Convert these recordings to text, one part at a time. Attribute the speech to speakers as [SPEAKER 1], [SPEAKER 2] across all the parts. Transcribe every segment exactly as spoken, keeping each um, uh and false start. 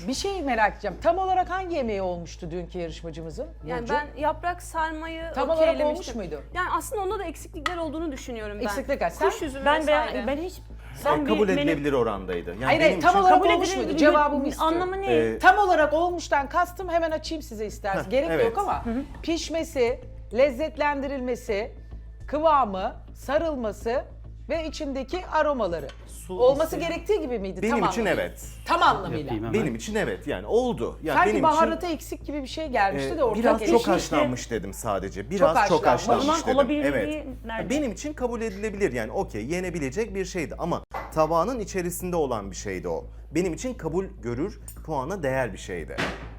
[SPEAKER 1] Bir şey merak edeceğim. Tam olarak hangi yemeği olmuştu dünkü yarışmacımızın?
[SPEAKER 2] Yani
[SPEAKER 1] Burcu?
[SPEAKER 2] ben yaprak sarmayı
[SPEAKER 1] Tam olarak
[SPEAKER 2] okeylemiştim.
[SPEAKER 1] olmuş muydu?
[SPEAKER 2] Yani aslında onda da eksiklikler olduğunu düşünüyorum ben.
[SPEAKER 1] Eksiklikler. Sen?
[SPEAKER 2] Kuş üzümü
[SPEAKER 3] Ben
[SPEAKER 2] vesaire.
[SPEAKER 3] ben, ben hiç
[SPEAKER 4] Sen
[SPEAKER 3] bir
[SPEAKER 4] kabul
[SPEAKER 3] menü-
[SPEAKER 4] edilebilir orandaydı. Yani
[SPEAKER 1] Hayır,
[SPEAKER 4] benim
[SPEAKER 1] hayır, tam
[SPEAKER 4] için-
[SPEAKER 1] olarak
[SPEAKER 3] kabul
[SPEAKER 1] olmuş
[SPEAKER 3] edilebilir
[SPEAKER 1] muydu?
[SPEAKER 3] bir-
[SPEAKER 1] Cevabımı istiyorum.
[SPEAKER 3] Anlamı ne?
[SPEAKER 4] Ee,
[SPEAKER 1] Tam olarak olmuştan kastım hemen açayım size isterseniz.
[SPEAKER 4] Heh,
[SPEAKER 1] Gerek
[SPEAKER 4] evet.
[SPEAKER 1] yok ama pişmesi, lezzetlendirilmesi, kıvamı, sarılması ve içindeki aromaları.
[SPEAKER 5] Su
[SPEAKER 1] Olması
[SPEAKER 5] isteyen-
[SPEAKER 1] gerektiği gibi miydi?
[SPEAKER 4] benim
[SPEAKER 1] tam
[SPEAKER 4] için
[SPEAKER 1] anlamıyla?
[SPEAKER 4] evet.
[SPEAKER 1] Tam anlamıyla.
[SPEAKER 5] Yapayım hemen.
[SPEAKER 4] Benim için evet yani oldu. Yani
[SPEAKER 1] Sanki
[SPEAKER 4] benim
[SPEAKER 1] baharatı
[SPEAKER 4] için
[SPEAKER 1] eksik gibi bir şey gelmişti
[SPEAKER 4] e,
[SPEAKER 1] de ortaya
[SPEAKER 4] biraz
[SPEAKER 1] gelişti.
[SPEAKER 4] çok
[SPEAKER 3] işte.
[SPEAKER 4] haşlanmış dedim sadece. Biraz çok,
[SPEAKER 1] haşlanmış.
[SPEAKER 4] haşlanmış
[SPEAKER 3] O zaman
[SPEAKER 4] dedim.
[SPEAKER 3] olabilirliği
[SPEAKER 4] Evet.
[SPEAKER 3] nerede?
[SPEAKER 4] Benim için kabul edilebilir yani okey yenebilecek bir şeydi ama tabağının içerisinde olan bir şeydi o. Benim için kabul görür, puana değer bir şeydi.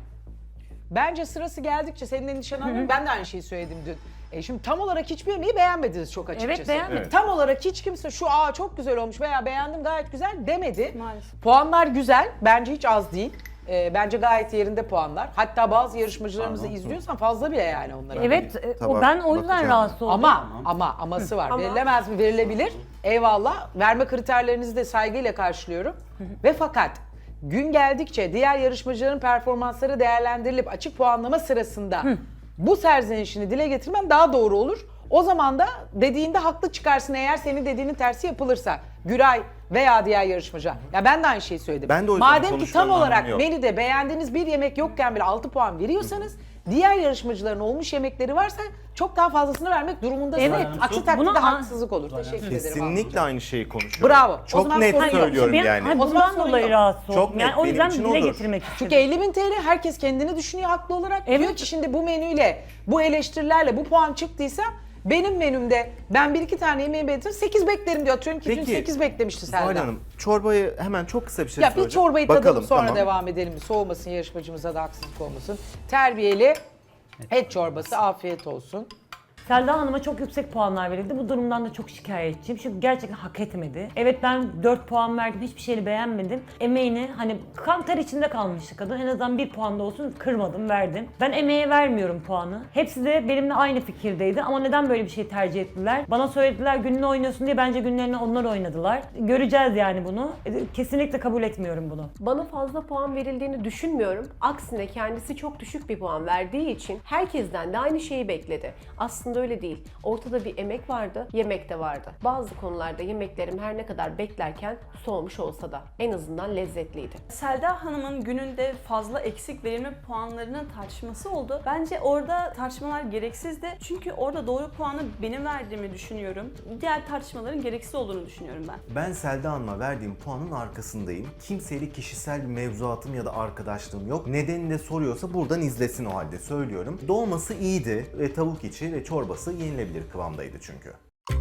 [SPEAKER 1] Bence sırası geldikçe senin endişen anlıyorum. Ben de aynı şeyi söyledim dün. E şimdi tam olarak hiçbir yemeği beğenmediniz çok açıkçası.
[SPEAKER 3] Evet, beğenmedim.
[SPEAKER 4] Evet.
[SPEAKER 1] Tam olarak hiç kimse şu aa çok güzel olmuş veya beğendim gayet güzel demedi.
[SPEAKER 2] Maalesef.
[SPEAKER 1] Puanlar güzel. Bence hiç az değil. E, bence gayet yerinde puanlar. Hatta bazı yarışmacılarımızı
[SPEAKER 4] Pardon,
[SPEAKER 1] izliyorsan fazla bile yani onlara.
[SPEAKER 3] Evet, e, o
[SPEAKER 4] Tabak
[SPEAKER 3] ben o yüzden
[SPEAKER 4] bakacağım.
[SPEAKER 3] rahatsız oldum.
[SPEAKER 1] Ama ama aması var.
[SPEAKER 2] Ama-
[SPEAKER 1] Verilemez mi? Verilebilir. Eyvallah. Verme kriterlerinizi de saygıyla karşılıyorum. Ve fakat gün geldikçe diğer yarışmacıların performansları değerlendirilip açık puanlama sırasında bu serzenişini dile getirmen daha doğru olur. O zaman da dediğinde haklı çıkarsın eğer senin dediğinin tersi yapılırsa. Güray veya diğer yarışmacı. Ya ben de aynı şeyi söyledim.
[SPEAKER 4] Ben de o yüzden
[SPEAKER 1] Madem ki tam
[SPEAKER 4] konuşmanın
[SPEAKER 1] olarak
[SPEAKER 4] anlamı yok.
[SPEAKER 1] menüde beğendiğiniz bir yemek yokken bile altı puan veriyorsanız diğer yarışmacıların olmuş yemekleri varsa çok daha fazlasını vermek durumundasınız.
[SPEAKER 3] Evet.
[SPEAKER 1] Aksi takdirde
[SPEAKER 3] Buna-
[SPEAKER 1] haksızlık olur. Teşekkür ederim.
[SPEAKER 4] Kesinlikle aynı şeyi konuşuyorum.
[SPEAKER 1] Bravo. O
[SPEAKER 4] Çok
[SPEAKER 1] zaman
[SPEAKER 4] net
[SPEAKER 1] sorun yok.
[SPEAKER 4] söylüyorum
[SPEAKER 3] Ben-
[SPEAKER 4] yani.
[SPEAKER 3] hani
[SPEAKER 1] O zaman
[SPEAKER 3] bundan
[SPEAKER 1] sorun
[SPEAKER 3] dolayı
[SPEAKER 1] yok.
[SPEAKER 3] rahatsız oldum.
[SPEAKER 4] Çok net,
[SPEAKER 3] yani o
[SPEAKER 4] benim
[SPEAKER 3] yüzden
[SPEAKER 4] için
[SPEAKER 3] dile
[SPEAKER 4] olur.
[SPEAKER 3] getirmek istedim.
[SPEAKER 1] Çünkü elli bin T L herkes kendini düşünüyor haklı olarak.
[SPEAKER 3] Evet.
[SPEAKER 1] Diyor ki şimdi bu menüyle, bu eleştirilerle bu puan çıktıysa benim menümde ben bir iki tane yemeği beğendim sekiz beklerim diyor. Atıyorum ki dün
[SPEAKER 4] Peki,
[SPEAKER 1] sekiz beklemişti
[SPEAKER 4] Zuhal
[SPEAKER 1] Selda.
[SPEAKER 4] Hanım çorbayı hemen çok kısa bir şey
[SPEAKER 1] Ya bir
[SPEAKER 4] soracağım.
[SPEAKER 1] çorbayı tadalım
[SPEAKER 4] Bakalım,
[SPEAKER 1] sonra
[SPEAKER 4] tamam.
[SPEAKER 1] devam edelim. Bir soğumasın yarışmacımıza da haksızlık olmasın. Terbiyeli et çorbası afiyet olsun.
[SPEAKER 3] Selda Hanım'a çok yüksek puanlar verildi. Bu durumdan da çok şikayetçiyim. Çünkü gerçekten hak etmedi. Evet ben dört puan verdim. Hiçbir şeyini beğenmedim. Emeğini hani kan ter içinde kalmıştı kadın. En azından bir puan da olsun kırmadım, verdim. Ben emeğe vermiyorum puanı. Hepsi de benimle aynı fikirdeydi. Ama neden böyle bir şey tercih ettiler? Bana söylediler gününü oynuyorsun diye, bence günlerini onlar oynadılar. Göreceğiz yani bunu. Kesinlikle kabul etmiyorum bunu.
[SPEAKER 6] Bana fazla puan verildiğini düşünmüyorum. Aksine kendisi çok düşük bir puan verdiği için herkesten de aynı şeyi bekledi. Aslında öyle değil. Ortada bir emek vardı, yemek de vardı. Bazı konularda yemeklerim her ne kadar beklerken soğumuş olsa da en azından lezzetliydi.
[SPEAKER 2] Selda Hanım'ın gününde fazla eksik verilme puanlarının tartışması oldu. Bence orada tartışmalar gereksizdi. Çünkü orada doğru puanı benim verdiğimi düşünüyorum. Diğer tartışmaların gereksiz olduğunu düşünüyorum ben.
[SPEAKER 4] Ben Selda Hanım'a verdiğim puanın arkasındayım. Kimseyle kişisel bir mevzuatım ya da arkadaşlığım yok. Nedenini de soruyorsa buradan izlesin o halde söylüyorum. Dolması iyiydi ve tavuk içi ve çorbası yenilebilir kıvamdaydı çünkü.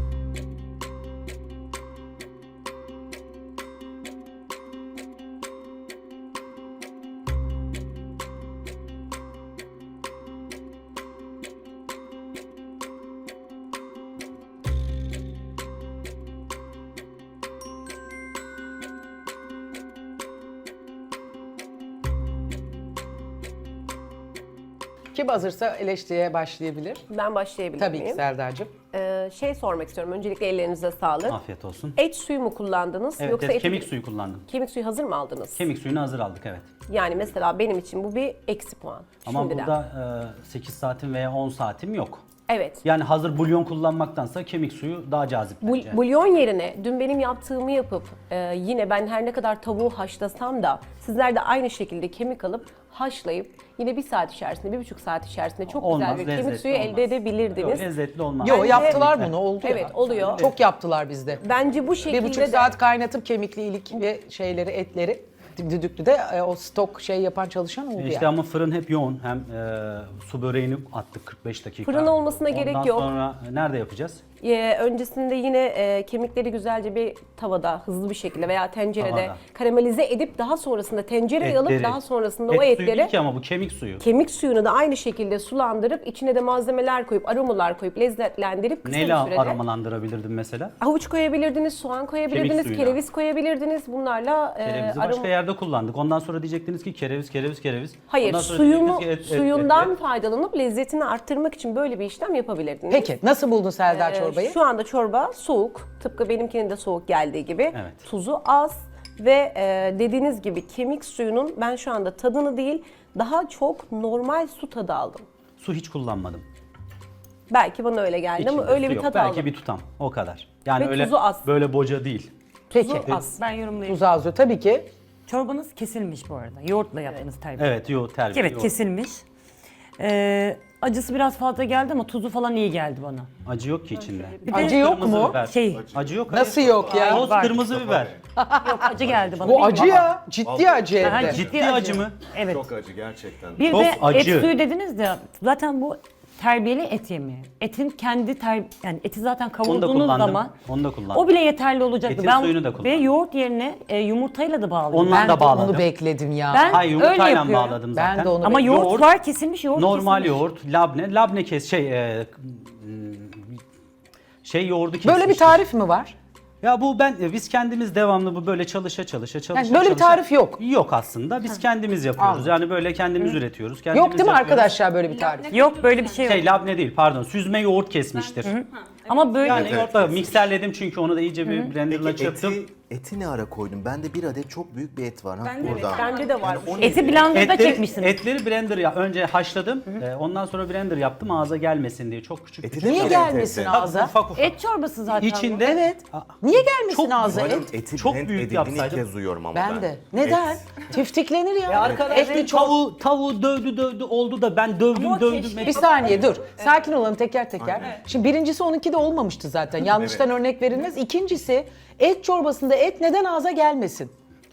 [SPEAKER 1] Kim hazırsa eleştiriye başlayabilir.
[SPEAKER 6] Ben başlayabilir
[SPEAKER 1] Tabii ki
[SPEAKER 6] miyim?
[SPEAKER 1] Serdar'cığım.
[SPEAKER 6] Ee, şey sormak istiyorum. Öncelikle ellerinize sağlık.
[SPEAKER 5] Afiyet olsun.
[SPEAKER 6] Et suyu mu kullandınız
[SPEAKER 5] Evet,
[SPEAKER 6] yoksa
[SPEAKER 5] evet,
[SPEAKER 6] eti-
[SPEAKER 5] kemik suyu kullandım.
[SPEAKER 6] Kemik suyu hazır mı aldınız?
[SPEAKER 5] Kemik suyunu hazır aldık, evet.
[SPEAKER 6] Yani mesela benim için bu bir eksi puan.
[SPEAKER 5] Ama
[SPEAKER 6] Şimdiden.
[SPEAKER 5] burada e, sekiz saatim veya on saatim yok.
[SPEAKER 6] Evet.
[SPEAKER 5] Yani hazır bulyon kullanmaktansa kemik suyu daha cazip
[SPEAKER 6] Bul-
[SPEAKER 5] bence.
[SPEAKER 6] bulyon yerine dün benim yaptığımı yapıp e, yine ben her ne kadar tavuğu haşlasam da sizler de aynı şekilde kemik alıp haşlayıp yine bir saat içerisinde, bir buçuk saat içerisinde çok
[SPEAKER 5] Olmaz,
[SPEAKER 6] güzel bir kemik
[SPEAKER 5] lezzetli
[SPEAKER 6] suyu
[SPEAKER 5] olmaz.
[SPEAKER 6] elde edebilirdiniz.
[SPEAKER 5] Yok, lezzetli olmaz.
[SPEAKER 1] Yo
[SPEAKER 6] Bence-
[SPEAKER 1] yaptılar bunu oldu ya.
[SPEAKER 6] Evet, oluyor.
[SPEAKER 1] Çok yaptılar bizde.
[SPEAKER 6] Bence bu şekilde
[SPEAKER 1] Bir buçuk
[SPEAKER 6] de
[SPEAKER 1] saat kaynatıp kemikli ilik ve şeyleri etleri düdüklü de e, o stok şey yapan çalışan oldu
[SPEAKER 5] İşte
[SPEAKER 1] yani.
[SPEAKER 5] ama fırın hep yoğun. Hem e, su böreğini attık kırk beş dakika.
[SPEAKER 6] Fırın olmasına
[SPEAKER 5] Ondan
[SPEAKER 6] gerek yok.
[SPEAKER 5] sonra nerede yapacağız?
[SPEAKER 6] e, öncesinde yine e, kemikleri güzelce bir tavada hızlı bir şekilde veya tencerede
[SPEAKER 5] Tavada.
[SPEAKER 6] karamelize edip daha sonrasında tencereye alıp
[SPEAKER 5] Etleri.
[SPEAKER 6] daha sonrasında
[SPEAKER 5] Et
[SPEAKER 6] o
[SPEAKER 5] suyu
[SPEAKER 6] etleri
[SPEAKER 5] değil ki ama bu kemik suyu.
[SPEAKER 6] kemik suyunu da aynı şekilde sulandırıp içine de malzemeler koyup aromalar koyup lezzetlendirip kısa
[SPEAKER 5] Neyle
[SPEAKER 6] bir sürede
[SPEAKER 5] aromalandırabilirdim mesela?
[SPEAKER 6] havuç koyabilirdiniz, soğan koyabilirdiniz,
[SPEAKER 5] suyuyla.
[SPEAKER 6] kereviz koyabilirdiniz. Bunlarla e,
[SPEAKER 5] Kerevizi
[SPEAKER 6] aroma-
[SPEAKER 5] başka yerde kullandık. Ondan sonra diyecektiniz ki kereviz, kereviz, kereviz.
[SPEAKER 6] Hayır,
[SPEAKER 5] Ondan sonra
[SPEAKER 6] suyumu,
[SPEAKER 5] diyecektiniz ki et, et,
[SPEAKER 6] suyundan
[SPEAKER 5] et, et.
[SPEAKER 6] faydalanıp lezzetini arttırmak için böyle bir işlem yapabilirdiniz.
[SPEAKER 1] Peki nasıl buldun Serdar
[SPEAKER 6] Ee,
[SPEAKER 1] çorbayı?
[SPEAKER 6] Şu anda çorba soğuk. Tıpkı benimkinin de soğuk geldiği gibi.
[SPEAKER 5] Evet.
[SPEAKER 6] Tuzu az Ve e, dediğiniz gibi kemik suyunun ben şu anda tadını değil, daha çok normal su tadı aldım.
[SPEAKER 5] Su hiç kullanmadım.
[SPEAKER 6] Belki bana öyle geldi
[SPEAKER 5] İçinde
[SPEAKER 6] ama öyle
[SPEAKER 5] su
[SPEAKER 6] bir
[SPEAKER 5] yok.
[SPEAKER 6] tat
[SPEAKER 5] Belki
[SPEAKER 6] aldım.
[SPEAKER 5] bir tutam. O kadar. Yani
[SPEAKER 6] Ve
[SPEAKER 5] öyle
[SPEAKER 6] tuzu az.
[SPEAKER 5] böyle boca değil.
[SPEAKER 1] Peki.
[SPEAKER 6] Tuzu az.
[SPEAKER 2] Ben yorumlayayım.
[SPEAKER 1] Tuz azıyor tabii ki.
[SPEAKER 3] Çorbanız kesilmiş bu arada. Yoğurtla yaptığınız terbiye.
[SPEAKER 5] Evet, yo terbiye.
[SPEAKER 3] Evet,
[SPEAKER 5] yo.
[SPEAKER 3] kesilmiş. Ee, acısı biraz fazla geldi ama tuzu falan iyi geldi bana.
[SPEAKER 5] Acı yok ki içinde.
[SPEAKER 3] Bir de
[SPEAKER 1] Acı yok
[SPEAKER 5] Kırmızı
[SPEAKER 1] mu?
[SPEAKER 5] biber.
[SPEAKER 3] Şey,
[SPEAKER 5] Acı yok.
[SPEAKER 1] Nasıl
[SPEAKER 5] hayır.
[SPEAKER 1] yok ya?
[SPEAKER 5] Toz
[SPEAKER 3] Var.
[SPEAKER 5] kırmızı biber.
[SPEAKER 3] yok acı geldi bana.
[SPEAKER 1] Bu acı
[SPEAKER 3] Bilmiyorum ama-
[SPEAKER 1] ya. Ciddi acı
[SPEAKER 3] Aha,
[SPEAKER 1] evde.
[SPEAKER 5] Ciddi acı mı?
[SPEAKER 3] Evet.
[SPEAKER 4] Çok acı gerçekten.
[SPEAKER 3] Bir
[SPEAKER 5] Çok
[SPEAKER 3] de
[SPEAKER 5] acı.
[SPEAKER 3] et suyu dediniz de zaten bu terbiyeli et yemeği. Etin kendi ter yani eti zaten
[SPEAKER 5] Onu da
[SPEAKER 3] kavurduğunuz
[SPEAKER 5] kullandım.
[SPEAKER 3] zaman
[SPEAKER 5] Onu da kullandım.
[SPEAKER 3] o bile yeterli olacaktı.
[SPEAKER 5] Etin suyunu da kullandım.
[SPEAKER 3] Ve yoğurt yerine e, yumurtayla da bağlıyorum.
[SPEAKER 5] Ondan
[SPEAKER 1] Ben
[SPEAKER 5] da
[SPEAKER 1] de
[SPEAKER 5] bağladım.
[SPEAKER 1] onu bekledim ya.
[SPEAKER 3] Ben
[SPEAKER 5] Hayır,
[SPEAKER 3] öyle
[SPEAKER 5] yumurtayla
[SPEAKER 3] yapıyorum.
[SPEAKER 5] bağladım zaten.
[SPEAKER 1] Ben de onu
[SPEAKER 3] Ama
[SPEAKER 1] bekliyorum.
[SPEAKER 3] yoğurt,
[SPEAKER 5] Yoğurt,
[SPEAKER 3] var kesilmiş yoğurt
[SPEAKER 5] Normal
[SPEAKER 3] kesilmiş.
[SPEAKER 5] yoğurt, labne, labne kes şey e, şey yoğurdu kesmiştir.
[SPEAKER 1] Böyle bir tarif mi var?
[SPEAKER 5] Ya bu ben e, biz kendimiz devamlı bu böyle çalışa çalışa çalışa.
[SPEAKER 1] Yani böyle bir
[SPEAKER 5] çalışa-
[SPEAKER 1] tarif yok.
[SPEAKER 5] Yok aslında. Biz kendimiz yapıyoruz. Yani böyle kendimiz üretiyoruz. Kendimiz
[SPEAKER 1] Yok değil mi
[SPEAKER 5] yapıyoruz.
[SPEAKER 1] arkadaşlar böyle bir tarif?
[SPEAKER 3] Yok böyle bir şey yok.
[SPEAKER 5] Şey labne değil pardon. Süzme yoğurt kesmiştir.
[SPEAKER 3] Ama böyle
[SPEAKER 5] Yani yoğurtla mikserledim çünkü onu da iyice bir blenderla
[SPEAKER 4] Peki
[SPEAKER 5] çırptım.
[SPEAKER 4] eti, eti ne ara koydun? Bende bir adet çok büyük bir et var. Ha,
[SPEAKER 2] Ben de
[SPEAKER 4] burada.
[SPEAKER 2] evet.
[SPEAKER 6] Bende de var.
[SPEAKER 4] o
[SPEAKER 3] eti
[SPEAKER 4] neydi?
[SPEAKER 3] blenderda
[SPEAKER 5] Etleri,
[SPEAKER 3] çekmişsiniz.
[SPEAKER 5] etleri blender ya önce haşladım. e, ondan sonra blender yaptım ağza gelmesin diye. Çok küçük.
[SPEAKER 4] Eti
[SPEAKER 5] küçük.
[SPEAKER 4] de
[SPEAKER 1] Niye
[SPEAKER 4] Evet,
[SPEAKER 1] gelmesin
[SPEAKER 4] evet.
[SPEAKER 1] ağza?
[SPEAKER 5] Ufak ufak.
[SPEAKER 3] Et çorbası zaten.
[SPEAKER 5] İçinde
[SPEAKER 1] Evet.
[SPEAKER 5] Aa,
[SPEAKER 1] Niye gelmesin
[SPEAKER 5] Çok
[SPEAKER 1] ağza
[SPEAKER 4] Umarım
[SPEAKER 1] et?
[SPEAKER 4] eti
[SPEAKER 5] Çok
[SPEAKER 4] blend
[SPEAKER 5] büyük
[SPEAKER 4] edildiğini ilk
[SPEAKER 5] yapsaydım.
[SPEAKER 4] kez duyuyorum ama ben.
[SPEAKER 1] Ben de. Neden?
[SPEAKER 4] Et.
[SPEAKER 1] Tiftiklenir ya.
[SPEAKER 5] Ya arkadaş
[SPEAKER 1] Etli çok...
[SPEAKER 5] tavuğu, tavuğu dövdü dövdü oldu da ben dövdüm
[SPEAKER 2] Ama
[SPEAKER 5] dövdüm.
[SPEAKER 2] keşke-
[SPEAKER 1] Bir saniye dur. Sakin olalım teker teker. Şimdi birincisi onunki de olmamıştı zaten. Yanlıştan örnek verilmez. İkincisi et çorbasında et neden ağza gelmesin?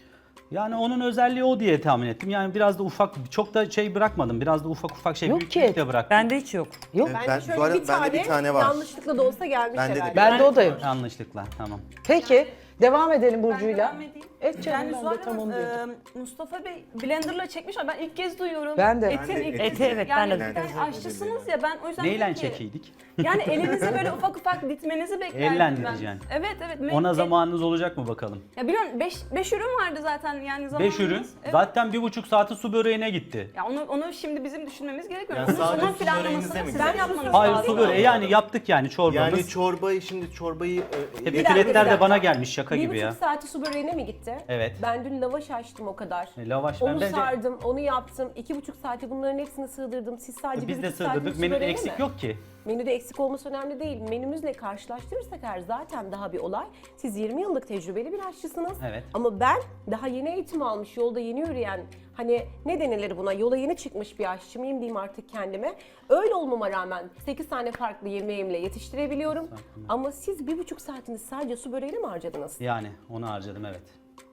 [SPEAKER 5] Yani onun özelliği o diye tahmin ettim. Yani biraz da ufak, çok da şey bırakmadım. Biraz da ufak ufak şey
[SPEAKER 1] Yok
[SPEAKER 5] büyük
[SPEAKER 1] ki
[SPEAKER 5] büyük
[SPEAKER 1] et.
[SPEAKER 5] de bıraktım.
[SPEAKER 3] Bende hiç yok.
[SPEAKER 1] Yok.
[SPEAKER 4] Evet.
[SPEAKER 6] Bence
[SPEAKER 4] Ben-
[SPEAKER 6] şöyle
[SPEAKER 4] bu arada
[SPEAKER 6] bir
[SPEAKER 4] bende
[SPEAKER 6] tane
[SPEAKER 4] bir tane var.
[SPEAKER 6] yanlışlıkla da olsa gelmiş
[SPEAKER 4] Bende de
[SPEAKER 6] herhalde.
[SPEAKER 4] bir-
[SPEAKER 1] Ben de o da yok.
[SPEAKER 5] Yanlışlıkla tamam.
[SPEAKER 1] Peki devam edelim
[SPEAKER 2] Ben
[SPEAKER 1] Burcu'yla.
[SPEAKER 2] devam edeyim.
[SPEAKER 1] Et canım
[SPEAKER 2] Yani
[SPEAKER 1] ben
[SPEAKER 2] Zuhal
[SPEAKER 1] de tam onu
[SPEAKER 2] Hanım,
[SPEAKER 1] diyordum.
[SPEAKER 2] e, Mustafa Bey blenderla çekmiş ama ben ilk kez duyuyorum.
[SPEAKER 1] Ben de.
[SPEAKER 2] Etin
[SPEAKER 4] Ben de
[SPEAKER 2] ilk
[SPEAKER 4] eti-
[SPEAKER 2] kez-
[SPEAKER 3] evet, ben
[SPEAKER 2] yani
[SPEAKER 3] de
[SPEAKER 2] bir
[SPEAKER 4] duydum.
[SPEAKER 2] tane aşçısınız ya ben o yüzden
[SPEAKER 5] Neyle
[SPEAKER 2] dedim ki,
[SPEAKER 5] çekiydik?
[SPEAKER 2] Yani elinize böyle ufak ufak ditmenizi beklerdim
[SPEAKER 5] Ellendireceksin.
[SPEAKER 2] ben. Evet evet.
[SPEAKER 5] Ona
[SPEAKER 2] E-
[SPEAKER 5] zamanınız olacak mı bakalım?
[SPEAKER 2] Ya biliyorum beş ürün vardı zaten yani zamanımız.
[SPEAKER 5] Beş ürün.
[SPEAKER 2] Evet.
[SPEAKER 5] Zaten bir buçuk saati su böreğine gitti.
[SPEAKER 2] Ya onu onu şimdi bizim düşünmemiz gerekiyor.
[SPEAKER 4] Yani
[SPEAKER 2] Onun,
[SPEAKER 4] sadece
[SPEAKER 2] onun
[SPEAKER 4] su
[SPEAKER 2] planlamasını
[SPEAKER 4] böreğinize mi
[SPEAKER 2] sizin
[SPEAKER 4] gidiyor?
[SPEAKER 2] yapmanız
[SPEAKER 5] Hayır
[SPEAKER 2] lazım.
[SPEAKER 5] su böreği yani yaptık yani çorbamız.
[SPEAKER 4] Yani çorbayı şimdi çorbayı... e,
[SPEAKER 5] Hep
[SPEAKER 4] e,
[SPEAKER 5] bütün
[SPEAKER 6] dakika, bir
[SPEAKER 5] etler de
[SPEAKER 6] dakika.
[SPEAKER 5] bana gelmiş şaka
[SPEAKER 6] Bir
[SPEAKER 5] gibi
[SPEAKER 6] buçuk
[SPEAKER 5] ya.
[SPEAKER 6] saati su böreğine mi gitti?
[SPEAKER 5] Evet.
[SPEAKER 6] Ben dün lavaş açtım o kadar.
[SPEAKER 5] E, lavaş ben
[SPEAKER 6] Onu
[SPEAKER 5] bence
[SPEAKER 6] sardım, onu yaptım. İki buçuk saati bunların hepsini sığdırdım. Siz sadece
[SPEAKER 5] biz
[SPEAKER 6] bir
[SPEAKER 5] de
[SPEAKER 6] buçuk saatiniz
[SPEAKER 5] sığdırdık.
[SPEAKER 6] su
[SPEAKER 5] Menüde
[SPEAKER 6] böreğine
[SPEAKER 5] eksik
[SPEAKER 6] mi?
[SPEAKER 5] yok ki.
[SPEAKER 6] Menüde eksik olması önemli değil. Menümüzle karşılaştırırsak eğer zaten daha bir olay. Siz yirmi yıllık tecrübeli bir aşçısınız.
[SPEAKER 5] Evet.
[SPEAKER 6] Ama ben daha yeni eğitim almış, yolda yeni yürüyen, hani ne denilir buna, yola yeni çıkmış bir aşçı mıyım diyeyim artık kendime. Öyle olmama rağmen sekiz tane farklı yemeğimle yetiştirebiliyorum. Ama siz bir buçuk saatiniz sadece su böreğine mi harcadınız?
[SPEAKER 5] Yani onu harcadım evet.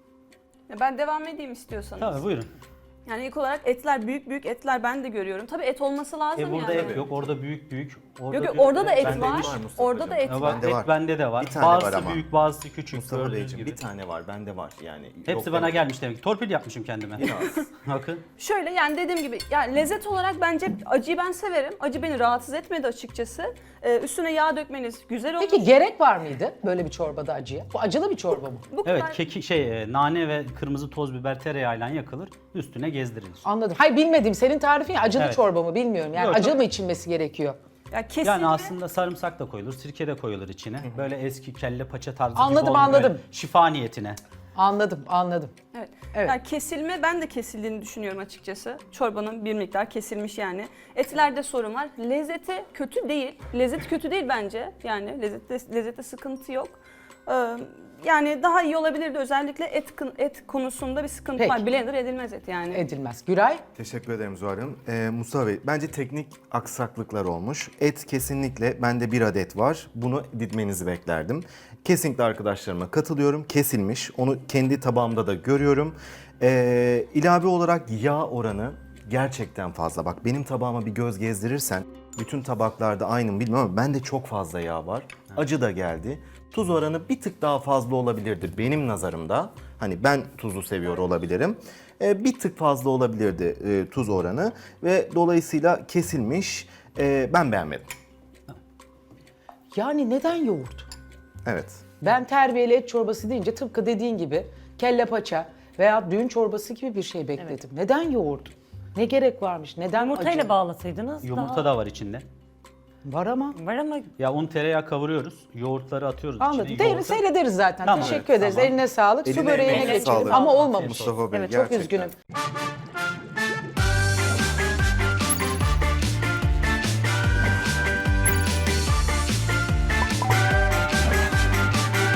[SPEAKER 2] Ya ben devam edeyim istiyorsanız.
[SPEAKER 5] Tabii buyurun.
[SPEAKER 2] Yani ilk olarak etler büyük büyük etler ben de görüyorum. Tabii et olması lazım
[SPEAKER 5] E burada
[SPEAKER 2] yani.
[SPEAKER 5] et yok, orada büyük büyük. Orada
[SPEAKER 2] Yok yok
[SPEAKER 5] büyük.
[SPEAKER 2] orada da et
[SPEAKER 4] Bende
[SPEAKER 2] var.
[SPEAKER 4] var Mustafa'cığım.
[SPEAKER 2] Orada da et
[SPEAKER 5] Ya
[SPEAKER 2] var.
[SPEAKER 5] bak,
[SPEAKER 4] Bende
[SPEAKER 5] et
[SPEAKER 4] var.
[SPEAKER 5] bende de var.
[SPEAKER 4] Bir tane
[SPEAKER 5] Bazısı
[SPEAKER 4] var ama.
[SPEAKER 5] büyük, bazısı küçük.
[SPEAKER 4] Mustafa
[SPEAKER 5] gördüğünüz
[SPEAKER 4] Beyciğim
[SPEAKER 5] gibi.
[SPEAKER 4] bir tane var, bende var yani.
[SPEAKER 5] Hepsi
[SPEAKER 4] Yok
[SPEAKER 5] bana
[SPEAKER 4] demek.
[SPEAKER 5] gelmiş demek. Torpil yapmışım kendime.
[SPEAKER 4] Biraz.
[SPEAKER 5] Bakın.
[SPEAKER 2] Şöyle yani dediğim gibi yani lezzet olarak bence acıyı ben severim. Acı beni rahatsız etmedi açıkçası. Ee, üstüne yağ dökmeniz güzel olmuş.
[SPEAKER 1] Peki gerek var mıydı böyle bir çorbada acıya? Bu acılı bir çorba mı?
[SPEAKER 2] Bu
[SPEAKER 5] Evet
[SPEAKER 2] kadar-
[SPEAKER 5] keki şey e, nane ve kırmızı toz biber tereyağıyla yakılır. Üstüne gezdirilir.
[SPEAKER 1] Anladım. Hayır bilmedim. Senin tarifin ya acılı
[SPEAKER 5] Evet.
[SPEAKER 1] çorba mı bilmiyorum. Yani
[SPEAKER 5] Yok,
[SPEAKER 1] acı
[SPEAKER 5] çok-
[SPEAKER 1] mı içilmesi gerekiyor?
[SPEAKER 2] Ya kesilme.
[SPEAKER 5] Yani aslında sarımsak da koyulur, sirke de koyulur içine. Böyle eski kelle paça tarzı
[SPEAKER 1] Anladım,
[SPEAKER 5] gibi olmuyor.
[SPEAKER 1] anladım.
[SPEAKER 5] Böyle şifa niyetine.
[SPEAKER 1] Anladım, anladım.
[SPEAKER 2] Evet.
[SPEAKER 1] Evet.
[SPEAKER 2] Yani kesilme ben de kesildiğini düşünüyorum açıkçası. Çorbanın bir miktar kesilmiş yani. Etlerde sorun var. Lezzeti kötü değil. Lezzet kötü değil bence. Yani lezzette, lezzette sıkıntı yok. Ee, yani daha iyi olabilirdi. Özellikle et et konusunda bir sıkıntı
[SPEAKER 1] Peki.
[SPEAKER 2] var. Blender edilmez et yani.
[SPEAKER 1] Edilmez. Güray?
[SPEAKER 4] Teşekkür ederim Zuhal Hanım. Ee, Mustafa Bey, bence teknik aksaklıklar olmuş. Et kesinlikle bende bir adet var. Bunu didmenizi beklerdim. Kesinlikle arkadaşlarıma katılıyorum. Kesilmiş. Onu kendi tabağımda da görüyorum. Ee, ilave olarak yağ oranı gerçekten fazla. Bak benim tabağıma bir göz gezdirirsen, bütün tabaklarda aynı mı bilmiyorum ama bende çok fazla yağ var. Acı da geldi. Tuz oranı bir tık daha fazla olabilirdi benim nazarımda. Hani ben tuzu seviyor olabilirim. Ee, bir tık fazla olabilirdi e, tuz oranı ve dolayısıyla kesilmiş. Ee, ben beğenmedim.
[SPEAKER 1] Yani neden yoğurt?
[SPEAKER 4] Evet.
[SPEAKER 1] Ben terbiyeli et çorbası deyince tıpkı dediğin gibi kelle paça veya düğün çorbası gibi bir şey bekledim. Neden yoğurt? Ne gerek varmış? Neden
[SPEAKER 3] Yumurtayla
[SPEAKER 1] acı?
[SPEAKER 3] bağlasaydınız
[SPEAKER 5] Yumurta
[SPEAKER 3] daha...
[SPEAKER 5] da var içinde.
[SPEAKER 1] Var ama.
[SPEAKER 3] Var ama
[SPEAKER 5] Ya un tereyağı kavuruyoruz. Yoğurtları atıyoruz
[SPEAKER 1] Anladım.
[SPEAKER 5] içine.
[SPEAKER 1] Değeri
[SPEAKER 5] yoğurtları-
[SPEAKER 1] seyrederiz zaten.
[SPEAKER 5] Tamam,
[SPEAKER 1] Teşekkür
[SPEAKER 5] evet,
[SPEAKER 1] ederiz.
[SPEAKER 5] tamam.
[SPEAKER 1] Eline sağlık. Su
[SPEAKER 4] Eline
[SPEAKER 1] böreğine
[SPEAKER 4] emeğine
[SPEAKER 1] geçelim.
[SPEAKER 4] sağlık.
[SPEAKER 1] Ama olmamış.
[SPEAKER 4] Mustafa Bey,
[SPEAKER 1] Evet çok
[SPEAKER 4] gerçekten.
[SPEAKER 1] üzgünüm.